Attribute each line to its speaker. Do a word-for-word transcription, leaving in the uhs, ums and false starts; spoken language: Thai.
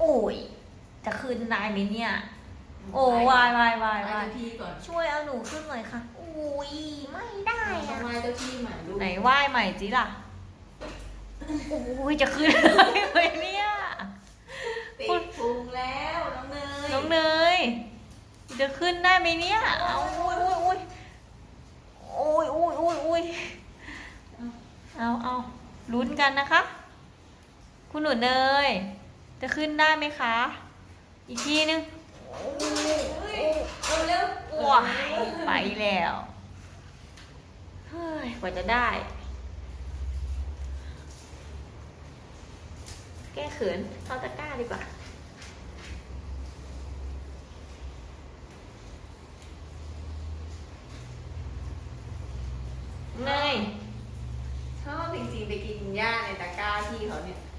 Speaker 1: โอ้ยจะขึ้นได้ไหมเนี่ย โอ้วายวายวาย
Speaker 2: ไหว้
Speaker 1: วาย
Speaker 2: เจ้าที่ก่อน
Speaker 1: ช่วยเอาหนูขึ้นหน่อยค่ะอุ้ยไม่ได้
Speaker 2: ต้อ
Speaker 1: อะ
Speaker 2: งไหว้เจ้าที่ใหม่ลูก
Speaker 1: ไหนไหว้ใหม่จิล่ะโอ้ยจะขึ้นได้ไหมเนี่ย
Speaker 2: ติดพุงแล้วน้องเนย
Speaker 1: น้องเนยจะขึ้นได้ไหมเนี่ยเอาอุ้ยอุ้ยอุ้ยอุ้ยอุ้ยอุ้ยเอาเอาลุ้นกันนะคะ คุณหนูเนยจะขึ้นได้ไหมคะ อีกทีนึง
Speaker 2: เอาเร็ว
Speaker 1: ว้ายไปแล้วเฮ้ยกว่าจะได้ แก้เขินเข้าตะกร้าดีกว่าเนย
Speaker 2: ชอบจริงๆไปกินหญ้าในตะกร้าที่เขาเนี่ย